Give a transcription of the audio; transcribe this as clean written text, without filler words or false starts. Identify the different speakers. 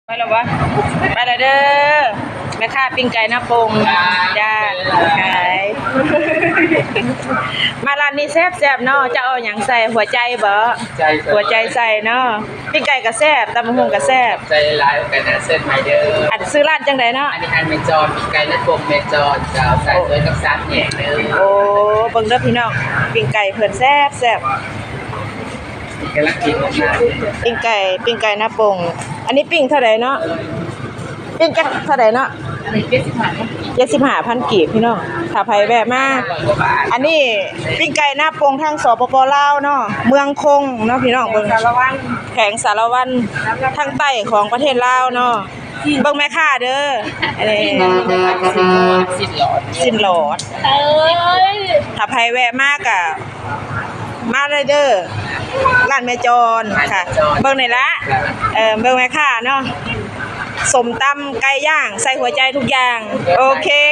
Speaker 1: ไปแล้ววะไปแล้วเด้อแม่ค้าปิ้งไก่หน้าปงจ้าขายมาร้านนี้แซ่บๆเนาะจะเอาหยังใส่หัวใจบ่หัวใจใส่เนาะปิ้งไก่ก็แซ่บตำบักหุ่งก็แซ่บ
Speaker 2: ใจลายกันนะเส้นไมเดอร์
Speaker 1: อันซื้อร้านจังไดเนาะ
Speaker 2: อันนี้อันเมจอนมีไก่และกลมเมจอนจะใส่ด้วยกับซ้ำแหน่เด้อ
Speaker 1: โอ้เบิ่งเด้อพี่น้องปิ้งไก่เพิ่นแซ่บ
Speaker 2: กำลังกินออกมา
Speaker 1: ปิ้งไก่หน้าปงอันนี้ปิ้งเท่าไหร่เนาะปิ้งจักเท่าไหร่เนาะ
Speaker 2: อันนี้
Speaker 1: 75,000กีบพี่น้องถ้าไผแวะมาอันนี้ปิ้งไก่หน้าปงทางสปปลาวเนาะเมืองคงเนาะพี่น้องเบิ่งแขวงสารวันทางใต้ของประเทศลาวเนาะเบิ่งแม่ค้าเด้ออันนี้สิ้นหลอดถ้าไผแวะมาก็มาเลยเด้อร้านแม่จรค่ะเบิ่งนี่ละเบิ่งแม่ค้าเนาะสมตำไก่ย่างใส่หัวใจทุกอย่างโอเค